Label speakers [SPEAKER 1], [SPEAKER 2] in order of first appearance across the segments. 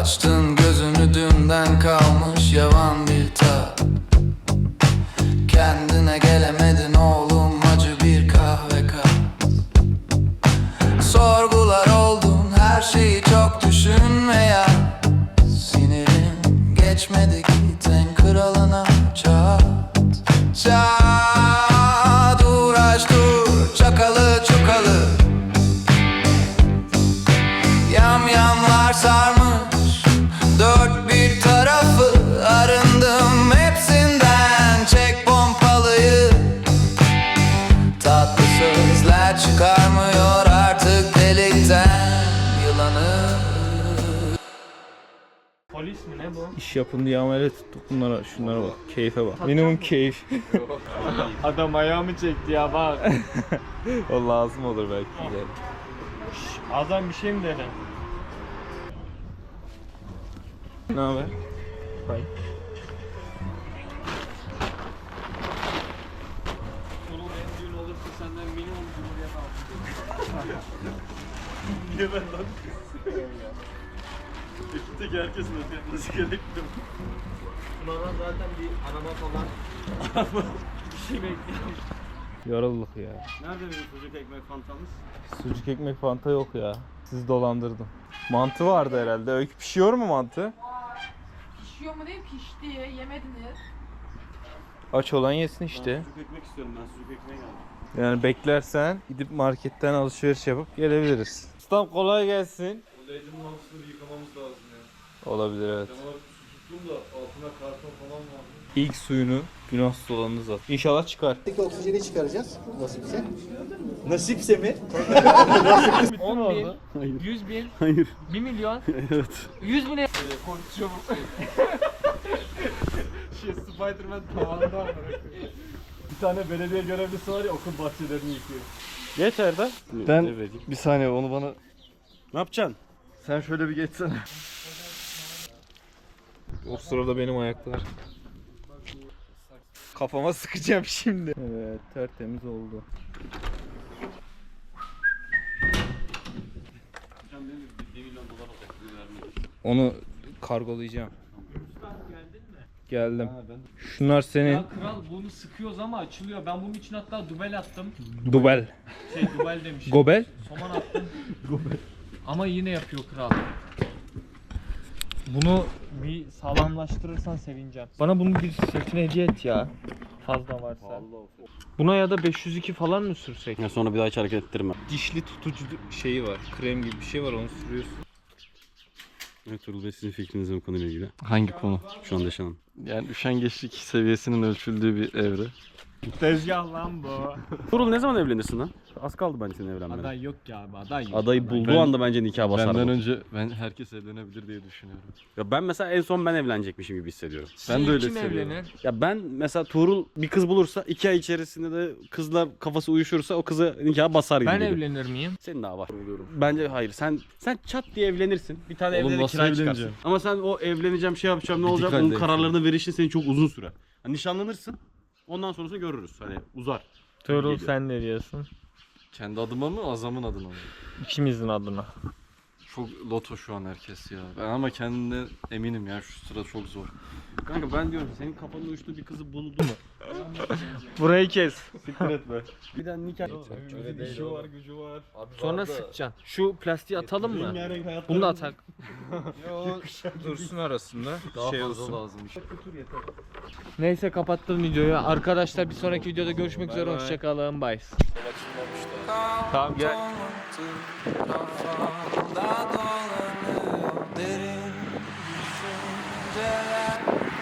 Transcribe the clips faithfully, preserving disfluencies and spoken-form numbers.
[SPEAKER 1] Açtın gözünü dünden kalmış yavan bir tat. Kendine gelemedin oğlum, acı bir kahve kat. Sorgular oldun, her şeyi çok düşünme ya. Sinirin geçmedi, git en kralına çat. Çat, uğraş dur, çakalı çukalı. Yamyamlar sarmış dört bir tarafı. Arındım hepsinden, çek pompalıyı. Tatlı sözler çıkarmıyor artık delikten yılanı.
[SPEAKER 2] Polis mi ne bu?
[SPEAKER 3] İş yapın diye amele tuttuk bunlara. Şunlara bak. Keyfe bak. Minimum keyif.
[SPEAKER 2] Adam ayağımı çekti ya bak.
[SPEAKER 3] O lazım olur belki.
[SPEAKER 2] Şş, adam bir şey mi dedi?
[SPEAKER 3] Ne haber? Bye.
[SPEAKER 2] Sonunda en düğün olursa senden minimum cumhuriyet altı. Niye ben lan? Ekipteki herkesin ödemesi gerekiyor. Bana zaten bir araba falan bir şey bekliyorum.
[SPEAKER 3] Yorulduk ya.
[SPEAKER 2] Nerede benim sucuk ekmek fantamız?
[SPEAKER 3] Sucuk ekmek fanta yok ya. Sizi dolandırdım. Mantı vardı herhalde. Öykü pişiyor mu mantı?
[SPEAKER 4] Pişiyor mu değil, pişti. Yemediniz.
[SPEAKER 3] Aç olan yesin işte.
[SPEAKER 2] Ben sucuk ekmek istiyorum, ben sucuk ekmeğe geldim.
[SPEAKER 3] Yani beklersen gidip marketten alışveriş yapıp gelebiliriz. Ustam kolay gelsin.
[SPEAKER 5] Bu leydinin altını yıkamamız lazım ya.
[SPEAKER 3] Olabilir evet.
[SPEAKER 5] Canavar su tuttum da altına karton falan vardı.
[SPEAKER 3] İlk suyunu günahsız olanınız at. İnşallah çıkar.
[SPEAKER 6] Oksijeni çıkaracağız nasipse.
[SPEAKER 5] Nasipse mi?
[SPEAKER 2] on bin, yüz bin, Hayır. bir milyon, evet. yüz bin. Konuşuyorum. Şey Spiderman tavanda var. Bir tane belediye görevlisi var ya, okul bahçelerini yıkıyor.
[SPEAKER 3] Geç Erdem.
[SPEAKER 5] Ben bir saniye onu bana...
[SPEAKER 3] Ne yapacaksın?
[SPEAKER 5] Sen şöyle bir geçsene.
[SPEAKER 3] O sırada benim ayaklar. Kafama sıkacağım şimdi. Evet, tertemiz oldu. Onu kargolayacağım. Geldim. Şunlar senin.
[SPEAKER 2] Ya kral, bunu sıkıyoruz ama açılıyor. Ben bunun için hatta dubel attım.
[SPEAKER 3] Dubel.
[SPEAKER 2] Şey dubel demişim.
[SPEAKER 3] Gobel.
[SPEAKER 2] Soman attım. Gobel. Ama yine yapıyor kral. Bunu bir sağlamlaştırırsan sevineceğim. Bana bunu bir setine hediye et ya. Fazla varsa. Buna ya da beş yüz iki falan mı sürsek?
[SPEAKER 7] Ya sonra bir daha hiç hareket ettirme.
[SPEAKER 3] Dişli tutucu şeyi var. Krem gibi bir şey var, onu sürüyorsun.
[SPEAKER 7] Evet Turul Bey, sizin fikriniz bu konuyla ilgili?
[SPEAKER 5] Hangi konu?
[SPEAKER 7] Şu anda yaşanan.
[SPEAKER 5] Yani üşengeçlik seviyesinin ölçüldüğü bir evre.
[SPEAKER 2] Tezgah lan bu.
[SPEAKER 7] Turul ne zaman evlenirsin lan? Az kaldı bence senin evlenmene.
[SPEAKER 2] Aday yok ki abi, aday yok.
[SPEAKER 7] Adayı bulduğu
[SPEAKER 5] Ben-
[SPEAKER 7] anda bence nikah basar.
[SPEAKER 5] Benden
[SPEAKER 7] bu.
[SPEAKER 5] önce ben herkes evlenebilir diye düşünüyorum.
[SPEAKER 7] Ya ben mesela en son ben evlenecekmişim gibi hissediyorum.
[SPEAKER 5] Ben de öyle
[SPEAKER 2] Kim
[SPEAKER 5] hissediyorum.
[SPEAKER 2] evlenir?
[SPEAKER 7] Ya ben mesela Tuğrul bir kız bulursa iki ay içerisinde de kızla kafası uyuşursa o kızı nikaha basar gibi
[SPEAKER 2] Ben
[SPEAKER 7] geliyor.
[SPEAKER 2] evlenir miyim?
[SPEAKER 7] Senin daha var. Bence hayır. Sen sen çat diye evlenirsin. Bir tane
[SPEAKER 5] Oğlum
[SPEAKER 7] evde de
[SPEAKER 5] nasıl
[SPEAKER 7] kiraya çıkarsın.
[SPEAKER 5] evleneceğim?
[SPEAKER 7] Ama sen o evleneceğim, şey yapacağım, ne
[SPEAKER 5] Bir
[SPEAKER 7] olacak?
[SPEAKER 5] dikkat
[SPEAKER 7] Onun
[SPEAKER 5] et.
[SPEAKER 7] kararlarını verişin senin çok uzun sürer. Hani nişanlanırsın. Ondan sonrasını görürüz. Hani uzar.
[SPEAKER 2] Tuğrul,
[SPEAKER 7] Geliyor.
[SPEAKER 2] sen ne diyorsun?
[SPEAKER 5] Kendi adıma mı, Azam'ın adına mı?
[SPEAKER 2] İkimizin adına.
[SPEAKER 5] Çok loto şu an herkes ya. Ben ama kendimden eminim ya, şu sıra çok zor.
[SPEAKER 7] Kanka ben diyorum senin kafanın uyuştuğu bir kızı buldu mu?
[SPEAKER 2] Burayı kes.
[SPEAKER 7] Siktir etme. Bir daha nikah.
[SPEAKER 5] İşi var, gücü var.
[SPEAKER 2] Sonra sıkacaksın. Şu plastiği atalım mı? Bunu da atak.
[SPEAKER 3] Yo, dursun arasında.
[SPEAKER 5] Daha
[SPEAKER 3] şey
[SPEAKER 5] fazla
[SPEAKER 3] olsun.
[SPEAKER 5] lazım.
[SPEAKER 2] Neyse, kapattım videoyu. Arkadaşlar bir sonraki videoda görüşmek üzere.
[SPEAKER 3] bay.
[SPEAKER 2] Hoşçakalın. Bye.
[SPEAKER 3] Tamam gel.
[SPEAKER 1] Kafamda dolanıyor derin düşünceler.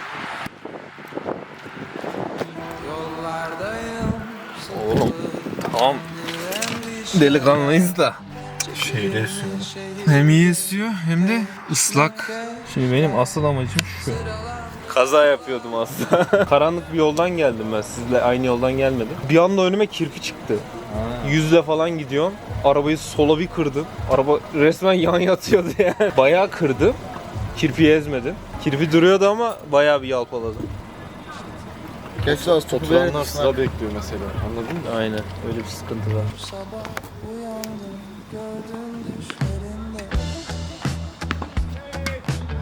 [SPEAKER 1] Yollardayım.
[SPEAKER 3] Oğlum tamam. Delikanlıyız da. Şeyde esiyor. Hem iyi esiyor hem de ıslak. Şimdi benim asıl amacım şu. Kaza yapıyordum aslında. Karanlık bir yoldan geldim ben, sizle aynı yoldan gelmedim. Bir anda önüme kirpi çıktı. Yüzle falan gidiyorum. Arabayı sola bir kırdım. Araba resmen yan yatıyordu yani. Bayağı kırdım. Kirpiyi ezmedim. Kirpi duruyordu ama bayağı bir yalpaladım.
[SPEAKER 5] Geç az totulanlar sıra bekliyor mesela. Anladın mı?
[SPEAKER 3] Aynen, öyle bir sıkıntı var.
[SPEAKER 1] Sabah uyandım gördüm düşlerinde.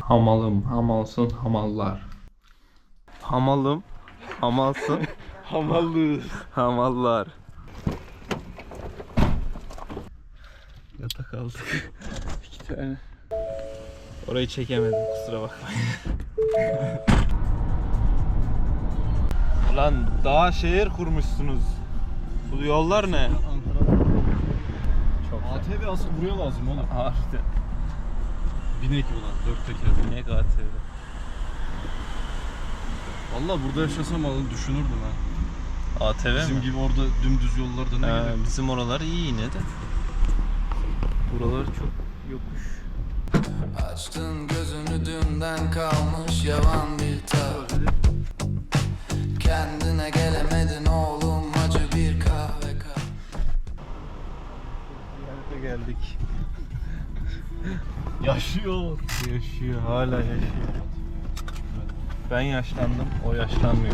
[SPEAKER 3] Hamalım, hamalsın, hamallar. Hamalım, hamalsın,
[SPEAKER 7] Hamallı.
[SPEAKER 3] hamallar. Yatak aldık. İki tane. Orayı çekemedim, kusura bakmayın. Ulan daha şehir kurmuşsunuz. Bu yollar ne? Çok
[SPEAKER 5] A T V asıl buraya lazım oğlum.
[SPEAKER 3] harbiden.
[SPEAKER 5] Binek ulan dört teker.
[SPEAKER 3] Ne A T V?
[SPEAKER 5] Valla burada yaşasam alanı düşünürdüm ha.
[SPEAKER 3] A T V
[SPEAKER 5] Bizim
[SPEAKER 3] mi?
[SPEAKER 5] gibi orada dümdüz yollarda ne
[SPEAKER 3] Ee,
[SPEAKER 5] gerek?
[SPEAKER 3] bizim oralar iyi yine de. Buralar çok yokuş.
[SPEAKER 1] Açtın gözünü dünden kalmış yavan bir tat. Kendine gelemedin oğlum acı bir kahve kap.
[SPEAKER 3] Ziyarete geldik.
[SPEAKER 5] Yaşıyor.
[SPEAKER 3] Yaşıyor, hala yaşıyor. Ben yaşlandım, o yaşlanmıyor.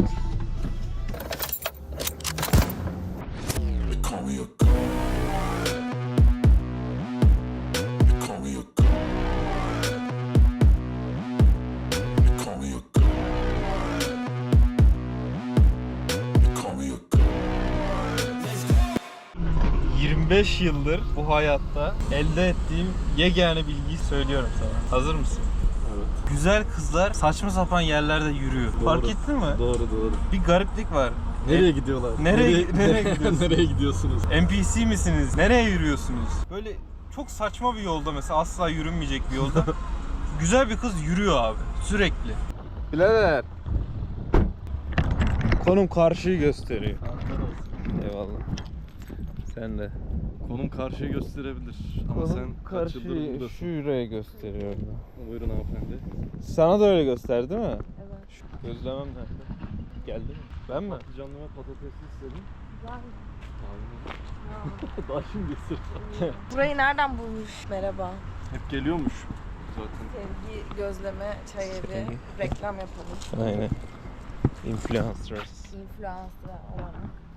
[SPEAKER 3] yirmi beş yıldır bu hayatta elde ettiğim yegane bilgiyi söylüyorum sana. Hazır mısın?
[SPEAKER 5] Evet.
[SPEAKER 3] Güzel kızlar saçma sapan yerlerde yürüyor.
[SPEAKER 5] Doğru.
[SPEAKER 3] Fark ettin mi?
[SPEAKER 5] Doğru doğru.
[SPEAKER 3] Bir gariplik var.
[SPEAKER 5] Nereye
[SPEAKER 3] E,
[SPEAKER 5] gidiyorlar?
[SPEAKER 3] nereye- nereye gidiyorsun?
[SPEAKER 5] Nereye gidiyorsunuz?
[SPEAKER 3] N P C misiniz? Nereye yürüyorsunuz? Böyle çok saçma bir yolda mesela, asla yürünmeyecek bir yolda. Güzel bir kız yürüyor abi sürekli. Birader. Konum karşıyı gösteriyor. Eyvallah. Sen de.
[SPEAKER 5] Konum karşıyı gösterebilir. Ama sen kaç yıldır buradasın?
[SPEAKER 3] şuraya gösteriyor.
[SPEAKER 5] Buyurun hanımefendi.
[SPEAKER 3] Sana da öyle gösterdi değil mi?
[SPEAKER 4] Evet.
[SPEAKER 3] Şu gözlemem nerede? Geldi mi? Ben mi?
[SPEAKER 5] Patlıcanlı ve patatesli istedim.
[SPEAKER 4] Güzel.
[SPEAKER 5] Daha şimdi ısır.
[SPEAKER 4] Burayı nereden bulmuş? Merhaba.
[SPEAKER 5] Hep geliyormuş zaten.
[SPEAKER 4] Sevgi gözleme çay evi.
[SPEAKER 3] Sevgi.
[SPEAKER 4] Reklam yapalım.
[SPEAKER 3] Aynen. Influencers.
[SPEAKER 4] Influencer olarak.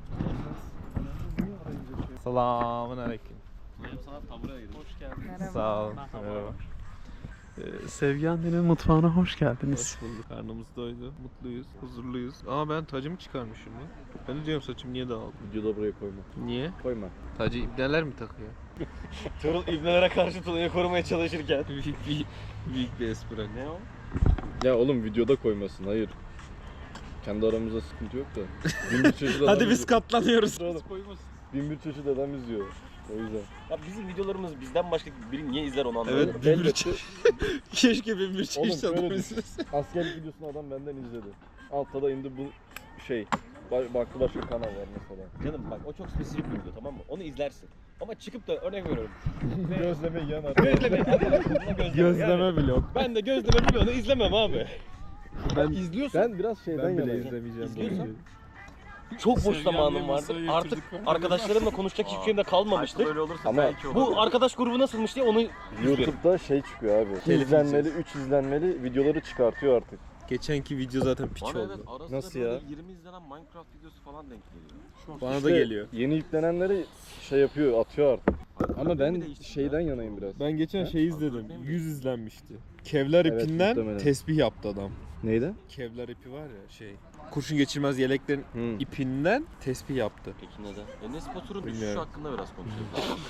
[SPEAKER 3] Selamun aleyküm.
[SPEAKER 5] Sana taburaya gidelim. Hoş geldin.
[SPEAKER 4] Merhaba.
[SPEAKER 3] Sağ olun. Merhaba.
[SPEAKER 7] Ee, Sevgi annenin mutfağına hoş geldiniz.
[SPEAKER 3] Hoş bulduk. Karnımız doydu. Mutluyuz. Huzurluyuz. Ama ben tacımı çıkarmışım lan. Ben de diyorum saçım niye dağıldı?
[SPEAKER 5] Videoda buraya koyma.
[SPEAKER 3] Niye?
[SPEAKER 5] Koyma.
[SPEAKER 3] Tacı ibneler mi takıyor?
[SPEAKER 7] Turul ibnelere karşı Tula'yı korumaya çalışırken.
[SPEAKER 3] büyük bir büyük bir espri.
[SPEAKER 7] Ne o?
[SPEAKER 5] Ya oğlum videoda koymasın hayır. Kendi aramızda sıkıntı yok da. Bin bir çeşit adam
[SPEAKER 7] Hadi biz
[SPEAKER 5] izliyor.
[SPEAKER 7] katlanıyoruz.
[SPEAKER 5] Bin bir çeşit adam izliyor. O yüzden.
[SPEAKER 7] Ya bizim videolarımız bizden başka biri niye izler onu anlamadım.
[SPEAKER 3] Evet, bin bir çeşit. Keşke bin bir
[SPEAKER 5] Oğlum
[SPEAKER 3] çeşit
[SPEAKER 5] şöyle
[SPEAKER 3] adam
[SPEAKER 5] düşün.
[SPEAKER 3] izlese.
[SPEAKER 5] Askerlik videosunu adam benden izledi. Altta da indi bu şey. Ba- Baktı başka kanal var mesela.
[SPEAKER 7] Canım bak o çok spesifik bir video tamam mı? Onu izlersin. Ama çıkıp da örnek veriyorum.
[SPEAKER 5] Gözleme yiyen adam.
[SPEAKER 7] Gözleme. gözleme.
[SPEAKER 3] Gözleme vlog.
[SPEAKER 7] Ben de gözleme vlogunu izlemem abi.
[SPEAKER 5] Ben
[SPEAKER 7] izliyorsun.
[SPEAKER 5] Ben biraz şeyden
[SPEAKER 3] Ben bile
[SPEAKER 5] yanayım.
[SPEAKER 3] izlemeyeceğim.
[SPEAKER 7] İzliyorsan çok boş zamanım vardı. Artık arkadaşlarımla konuşacak hiçbir şeyim de kalmamıştı.
[SPEAKER 5] Ama
[SPEAKER 7] Bu arkadaş grubu nasılmış diye onu
[SPEAKER 5] YouTube'da şey çıkıyor abi. iki izlenmeli, üç izlenmeli videoları çıkartıyor artık.
[SPEAKER 3] Geçenki video zaten piç
[SPEAKER 8] Bana evet
[SPEAKER 3] oldu.
[SPEAKER 8] arasında
[SPEAKER 5] Nasıl
[SPEAKER 8] böyle
[SPEAKER 5] ya?
[SPEAKER 8] yirmi izlenen Minecraft videosu falan denk geliyor.
[SPEAKER 3] Bana da
[SPEAKER 5] İşte
[SPEAKER 3] geliyor.
[SPEAKER 5] Yeni yüklenenleri şey yapıyor, atıyor artık. Ama ben
[SPEAKER 8] mi değişti
[SPEAKER 5] şeyden
[SPEAKER 8] ya?
[SPEAKER 5] yanayım biraz.
[SPEAKER 3] Ben geçen
[SPEAKER 5] He?
[SPEAKER 3] şey izledim. yüz izlenmişti. Kevlar
[SPEAKER 5] Evet,
[SPEAKER 3] ipinden
[SPEAKER 5] muhtemelen.
[SPEAKER 3] tesbih yaptı adam.
[SPEAKER 5] Neydi?
[SPEAKER 3] Kevlar ipi var ya şey. Kurşun geçirmez yeleklerin
[SPEAKER 5] Hı.
[SPEAKER 3] ipinden tesbih yaptı.
[SPEAKER 8] Peki neden? Enes Batur'un düşüşü
[SPEAKER 3] Bilmiyorum.
[SPEAKER 8] hakkında biraz konuşalım.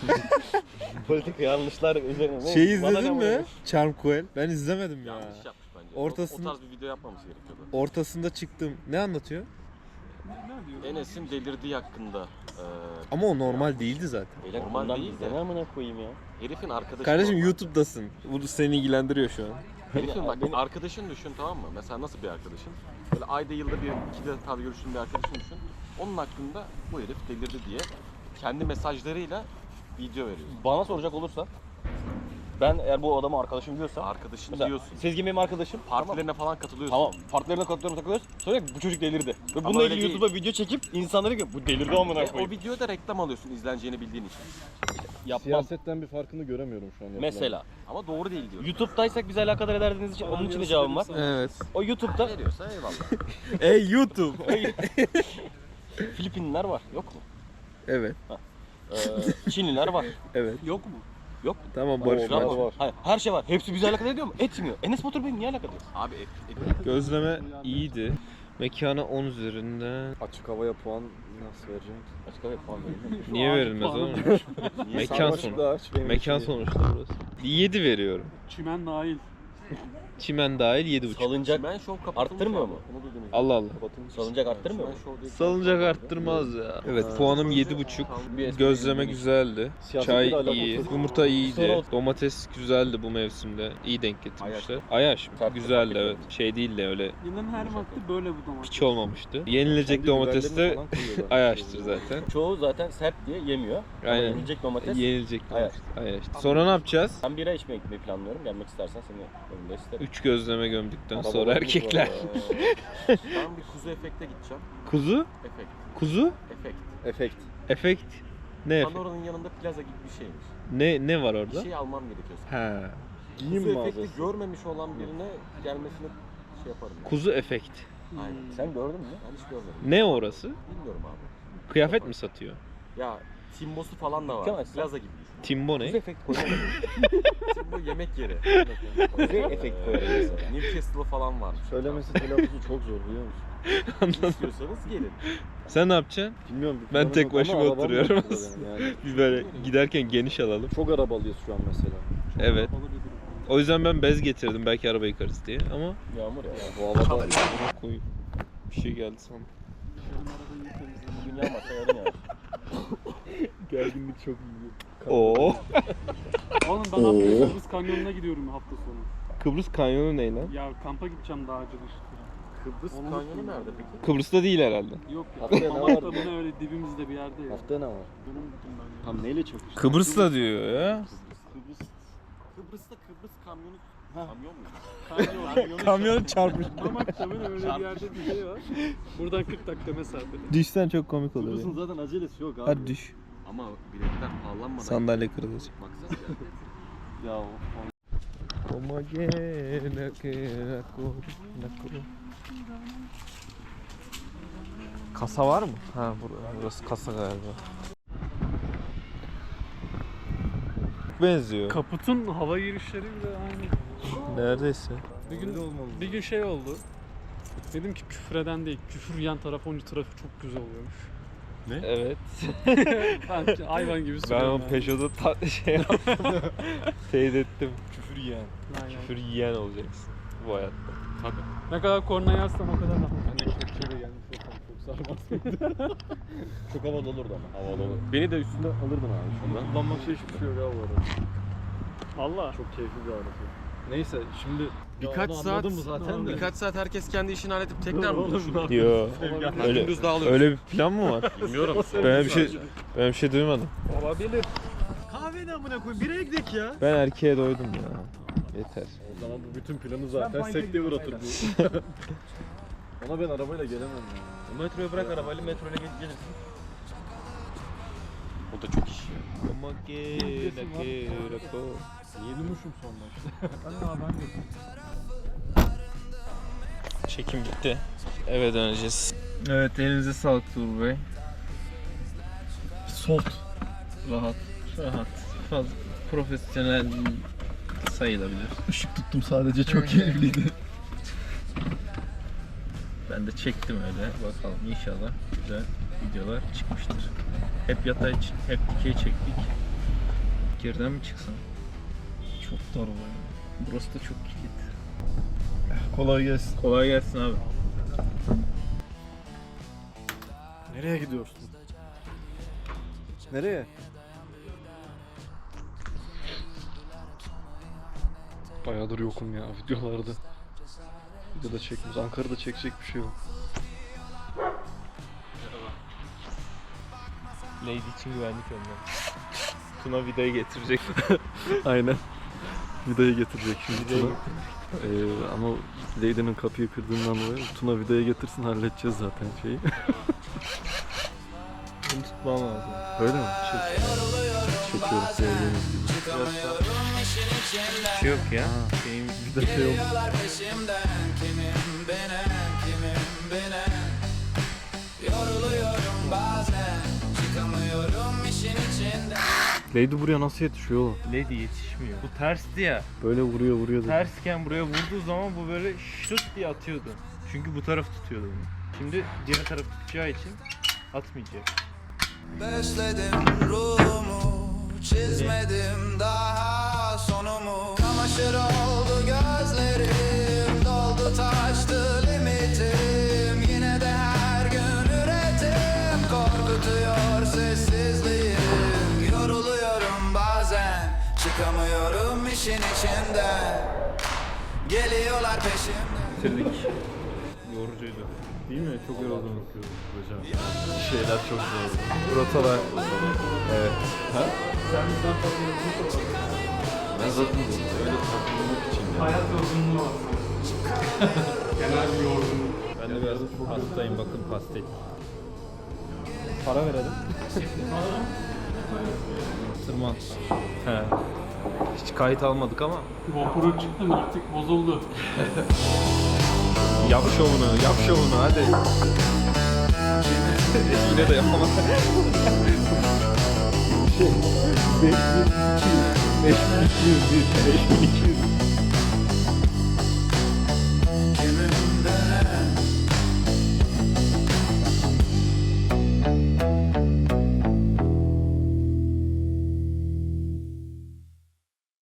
[SPEAKER 7] politik yanlışlar üzerine.
[SPEAKER 3] Şey
[SPEAKER 7] Bana
[SPEAKER 3] izledin
[SPEAKER 7] ne
[SPEAKER 3] mi?
[SPEAKER 7] bu?
[SPEAKER 3] Charm Coel. Ben izlemedim ya.
[SPEAKER 8] Yanlış yapmış bence.
[SPEAKER 3] Ortasını-
[SPEAKER 8] O, o tarz bir video yapmaması gerekiyordu.
[SPEAKER 3] Ortasında çıktım. Ne anlatıyor?
[SPEAKER 8] Enes'in delirdiği hakkında. E,
[SPEAKER 3] Ama o normal değildi zaten.
[SPEAKER 7] Beyler
[SPEAKER 8] Normal
[SPEAKER 7] bundan
[SPEAKER 8] değil
[SPEAKER 7] bizde
[SPEAKER 8] de.
[SPEAKER 7] ne amına koyayım ya.
[SPEAKER 8] herifin arkadaşı.
[SPEAKER 3] Kardeşim
[SPEAKER 8] normal.
[SPEAKER 3] YouTube'dasın. Bu seni ilgilendiriyor şu an.
[SPEAKER 8] Herifin bak
[SPEAKER 7] Beni-
[SPEAKER 8] arkadaşın düşün tamam mı? Mesela nasıl bir arkadaşın? Böyle ayda yılda bir iki defa görüştüğün bir arkadaşın düşün. Onun hakkında bu herif delirdi diye kendi mesajlarıyla video veriyor.
[SPEAKER 7] Bana soracak olursa ben eğer bu adamı arkadaşım diyorsa
[SPEAKER 8] Arkadaşın
[SPEAKER 7] mesela
[SPEAKER 8] diyorsun.
[SPEAKER 7] Sezgin benim arkadaşım.
[SPEAKER 8] Partilerine falan katılıyorsun.
[SPEAKER 7] Tamam. Partilerine katılıyorum takılıyoruz. Sonra bu çocuk delirdi. Ve bununla
[SPEAKER 8] öyle
[SPEAKER 7] ilgili
[SPEAKER 8] değil.
[SPEAKER 7] YouTube'a video çekip insanlara diyor bu delirdi amına
[SPEAKER 8] Ve o
[SPEAKER 7] koyayım.
[SPEAKER 8] videoda reklam alıyorsun izleneceğini bildiğin için.
[SPEAKER 7] Yapmam.
[SPEAKER 5] Siyasetten bir farkını göremiyorum şu an. yapılan.
[SPEAKER 7] Mesela
[SPEAKER 8] Ama doğru değil diyorum.
[SPEAKER 7] YouTube'daysak bizi alakadar ederdiğiniz için onun için de cevabım var.
[SPEAKER 3] Evet.
[SPEAKER 7] O YouTube'da
[SPEAKER 8] Veriyorsa eyvallah.
[SPEAKER 3] Ey YouTube.
[SPEAKER 7] Filipinliler var. Yok mu?
[SPEAKER 3] Evet.
[SPEAKER 7] Ee, Çinliler var.
[SPEAKER 3] Evet.
[SPEAKER 7] Yok mu?
[SPEAKER 8] Yok.
[SPEAKER 3] Tamam Barış
[SPEAKER 8] Var,
[SPEAKER 3] var.
[SPEAKER 8] var. Hayır, her şey var. Hepsi bize alakadar ediyor mu? Etmiyor. Enes Batur benim niye alakadar? Abi et, et.
[SPEAKER 3] Gözleme iyiydi. Mekana on üzerinden.
[SPEAKER 5] Açık havaya puan nasıl vereceğim?
[SPEAKER 8] Açık hava puan verilmiyor.
[SPEAKER 3] Niye verilmez oğlum? Mekan sonu. Mekan sonuçta burası. yedi veriyorum.
[SPEAKER 9] Çimen dahil.
[SPEAKER 3] Çimen dahil yedi buçuk.
[SPEAKER 8] Salıncak arttırmıyor mu?
[SPEAKER 3] Allah Allah.
[SPEAKER 8] Salıncak arttırmıyor mu?
[SPEAKER 3] Salıncak arttırmaz ya. Evet puanım yedi buçuk. Gözleme güzeldi.
[SPEAKER 7] Siyasetle
[SPEAKER 3] Çay
[SPEAKER 7] alakası
[SPEAKER 3] iyi.
[SPEAKER 7] yok.
[SPEAKER 3] Yumurta iyiydi. Domates güzeldi bu mevsimde. İyi denk getirmişler. Ayaş mı? Güzeldi evet. Şey değil de öyle
[SPEAKER 9] Yılın her vakti böyle bu domates.
[SPEAKER 3] piç olmamıştı. Yenilecek
[SPEAKER 7] Kendi
[SPEAKER 3] domates de
[SPEAKER 7] biberlerini falan koyuyorlar.
[SPEAKER 3] Ayaş'tır zaten.
[SPEAKER 8] Çoğu zaten sert diye yemiyor. Ama
[SPEAKER 3] Aynen.
[SPEAKER 8] yenilecek domates.
[SPEAKER 3] Yenilecek
[SPEAKER 8] Ayaş.
[SPEAKER 3] domates. Ayaş. Sonra ne yapacağız?
[SPEAKER 8] Ben bira içmeye gitmeyi planlıyorum. Gelmek istersen seni önünde isterim.
[SPEAKER 3] Üç gözleme gömdükten
[SPEAKER 7] Araba
[SPEAKER 3] sonra
[SPEAKER 7] var,
[SPEAKER 3] erkekler.
[SPEAKER 8] Ee, ben bir kuzu efekte gideceğim.
[SPEAKER 3] Kuzu?
[SPEAKER 8] Efekt.
[SPEAKER 3] Kuzu?
[SPEAKER 8] Efekt.
[SPEAKER 7] Efekt.
[SPEAKER 3] Efekt. Ne efekt?
[SPEAKER 8] Pandora'nın yanında plaza gibi bir şeymiş.
[SPEAKER 3] Ne ne var
[SPEAKER 8] Bir
[SPEAKER 3] orada?
[SPEAKER 8] şey almam gerekiyor.
[SPEAKER 3] Ha.
[SPEAKER 7] Giyim
[SPEAKER 8] Kuzu efekti
[SPEAKER 7] mağazası.
[SPEAKER 8] görmemiş olan birine gelmesini şey yaparım. Yani.
[SPEAKER 3] Kuzu efekt.
[SPEAKER 8] Aynen. Sen gördün mü? Ben hiç görmedim.
[SPEAKER 3] Ne orası?
[SPEAKER 8] Bilmiyorum abi.
[SPEAKER 3] Kıyafet mi satıyor?
[SPEAKER 8] Ya Timbo'su falan da var. Plaza gibi düşün.
[SPEAKER 3] Timbo ne?
[SPEAKER 8] efekt koyuyor. Timbo yemek yeri. Kuzu efekt koyuyor mesela. Newcastle falan var.
[SPEAKER 7] Söylemesi telaffuzu çok zor biliyor musun?
[SPEAKER 8] İstiyorsanız gelin.
[SPEAKER 3] Sen ne yapacaksın?
[SPEAKER 7] Bilmiyorum. bir
[SPEAKER 3] Ben
[SPEAKER 7] planım
[SPEAKER 3] tek
[SPEAKER 7] yok ama
[SPEAKER 3] başıma
[SPEAKER 7] arabam
[SPEAKER 3] oturuyorum
[SPEAKER 7] yoktu
[SPEAKER 3] aslında.
[SPEAKER 7] benim Yani.
[SPEAKER 3] Bir böyle giderken geniş alalım.
[SPEAKER 7] Çok arabalıyız şu an mesela.
[SPEAKER 3] Evet. O yüzden ben bez getirdim belki araba yıkarız diye ama
[SPEAKER 8] Yağmur ya.
[SPEAKER 7] Bu havada
[SPEAKER 3] koy. Bir şey geldi sandım.
[SPEAKER 8] Bugün yağmasa yarın yağar.
[SPEAKER 7] gerginlik çok iyi.
[SPEAKER 3] Oo.
[SPEAKER 9] Oğlum ben haftaya Kıbrıs Kanyonu'na gidiyorum hafta sonu.
[SPEAKER 3] Kıbrıs kanyonu ne lan?
[SPEAKER 9] Ya kampa gideceğim Dağcılar.
[SPEAKER 8] Kıbrıs
[SPEAKER 9] Onu
[SPEAKER 8] kanyonu
[SPEAKER 9] unuttum
[SPEAKER 8] nerede peki?
[SPEAKER 3] Kıbrıs'ta değil herhalde.
[SPEAKER 9] Yok ya.
[SPEAKER 7] Haftaya ne
[SPEAKER 9] Mamak'ta
[SPEAKER 7] var?
[SPEAKER 9] bunu öyle dibimizde bir yerde ya.
[SPEAKER 7] Haftaya ne var?
[SPEAKER 9] Bunu unuttum ben ya.
[SPEAKER 7] Tam neyle çakıştı?
[SPEAKER 3] Kıbrıs'la diyor ya.
[SPEAKER 8] Kıbrıs. Kıbrıs'ta Kıbrıs kamyonu. Kamyon mu?
[SPEAKER 9] Kanyon.
[SPEAKER 3] Kamyon çarpmış.
[SPEAKER 9] Mamak'ta böyle öyle bir yerde bir şey var. Buradan kırk dakika mesafede.
[SPEAKER 3] Düşsen çok komik olur
[SPEAKER 7] Kıbrıs'ın
[SPEAKER 3] ya.
[SPEAKER 7] zaten acelesi yok abi.
[SPEAKER 3] Hadi düş.
[SPEAKER 8] Ama biletler pahalanmadan.
[SPEAKER 3] Sandalye kırılacak.
[SPEAKER 8] Baksana ya.
[SPEAKER 7] Ya o-
[SPEAKER 3] Kasa var mı? Ha burası kasa galiba. Benziyor.
[SPEAKER 9] Kaputun hava girişleri bile aynı.
[SPEAKER 3] Neredeyse.
[SPEAKER 9] Bir gün, bir gün şey oldu. Dedim ki küfreden değil, küfür yan taraf onca tarafı çok güzel oluyormuş.
[SPEAKER 3] Evet.
[SPEAKER 9] Ben hayvan gibi
[SPEAKER 3] Ben
[SPEAKER 9] söylüyorum.
[SPEAKER 3] o
[SPEAKER 9] yani.
[SPEAKER 3] Peugeot'da ta- şey yaptım. Teyit ettim.
[SPEAKER 7] küfür yiyen.
[SPEAKER 9] Aynen.
[SPEAKER 3] Küfür yiyen olacaksın bu hayatta.
[SPEAKER 9] Ne kadar korna yazsam o kadar rahat.
[SPEAKER 7] Ben de kepçeyle gelmiş olsam çok sarmaz. Çok havalı olurdu ama. Havalı olur. Beni de üstünde alırdın abi şundan. Kullanmak şey hiçbir şey yok abi bu arada.
[SPEAKER 9] Valla.
[SPEAKER 7] Çok keyifli bir araba. Neyse şimdi
[SPEAKER 8] Birkaç
[SPEAKER 7] onu
[SPEAKER 8] saat,
[SPEAKER 7] anladın mı zaten de?
[SPEAKER 8] birkaç saat herkes kendi işini halledip tekrar mı buluşur?
[SPEAKER 3] Yo. Öyle,
[SPEAKER 8] Gündüz dağılıyoruz.
[SPEAKER 3] öyle bir plan mı var?
[SPEAKER 8] Bilmiyorum.
[SPEAKER 3] Ben bir şey ben bir şey duymadım.
[SPEAKER 7] Olabilir. Kahve ne amına koyayım? Bireye gidelim ya.
[SPEAKER 3] Ben erkeğe doydum ya. Yeter.
[SPEAKER 7] O zaman bu bütün planı zaten sekteye uğratır bu. Ona ben arabayla gelemem ya.
[SPEAKER 3] Metroya bırak arabayla metroyla gelirsin.
[SPEAKER 8] O da çok iş.
[SPEAKER 7] Yenilmişim sonra işte.
[SPEAKER 3] Çekim bitti. Eve döneceğiz. Evet elinize sağlık Tuğrul Bey. Soft. Rahat. Rahat. Fazla profesyonel sayılabilir.
[SPEAKER 7] Işık tuttum sadece çok keyifliydi.
[SPEAKER 3] Ben de çektim öyle. Bakalım inşallah güzel videolar çıkmıştır. Hep yatay, hep dikey çektik. Geriden mi çıksam? Çok dar var. Burası da çok kilit.
[SPEAKER 7] Kolay gelsin.
[SPEAKER 3] Kolay gelsin abi.
[SPEAKER 7] Nereye gidiyorsun? Nereye? Bayağıdır yokum ya videolarda. Videoda çekmiyoruz. Ankara'da çekecek bir şey yok.
[SPEAKER 3] Lady için güvenlik önlemi. Tuna vidayı getirecek.
[SPEAKER 7] Aynen. Vidayı getirecek şimdi
[SPEAKER 3] Vidayı
[SPEAKER 7] Tuna. Ee, ama Lady'nin kapıyı kırdığından dolayı Tuna vidayı getirsin halledeceğiz zaten şeyi.
[SPEAKER 3] Bunu tutmam lazım.
[SPEAKER 7] Öyle mi? Çek. Çekiyorum gördüğünüz gibi.
[SPEAKER 3] Bir şey yok ya. Benim
[SPEAKER 7] Bir de şey oldu.
[SPEAKER 1] Yoruluyorum bazen, çıkamıyorum işin içinden.
[SPEAKER 5] Lady buraya nasıl yetişiyor oğlum?
[SPEAKER 2] Lady yetişmiyor. Bu tersti ya.
[SPEAKER 5] Böyle vuruyor vuruyor.
[SPEAKER 2] Tersken buraya vurduğu zaman bu böyle şut diye atıyordu. Çünkü bu taraf tutuyordu bunu. Şimdi diğer taraf tutacağı için atmayacak.
[SPEAKER 1] Besledim ruhumu, çizmedim daha sonumu. Kamaşır oldu gözlerim, doldu taştı limitim. Yine de her gün üretim, korkutuyor sessizliğim. Yoruluyorum bazen, çıkamıyorum işin içinden. Geliyorlar peşimden.
[SPEAKER 3] Bitirdik. Yorucuydu.
[SPEAKER 5] Değil mi? Çok yoruldum. Hocam. Şeyler çok zor.
[SPEAKER 3] Rotalar. Evet.
[SPEAKER 5] Ha? Ben zaten öyle takılmak için yani.
[SPEAKER 9] Hayat yorgunluğu var. Genel bir yorgunluk.
[SPEAKER 3] Ben de biraz hastayım, bakın pastel. Para verelim. Tırman. He. Hiç kayıt almadık ama.
[SPEAKER 9] GoPro çıktı mı artık bozuldu.
[SPEAKER 3] Yap şovunu, yap şovunu hadi. Yine de yapamadım. beş bin iki yüz bir, beş bin iki yüz bir.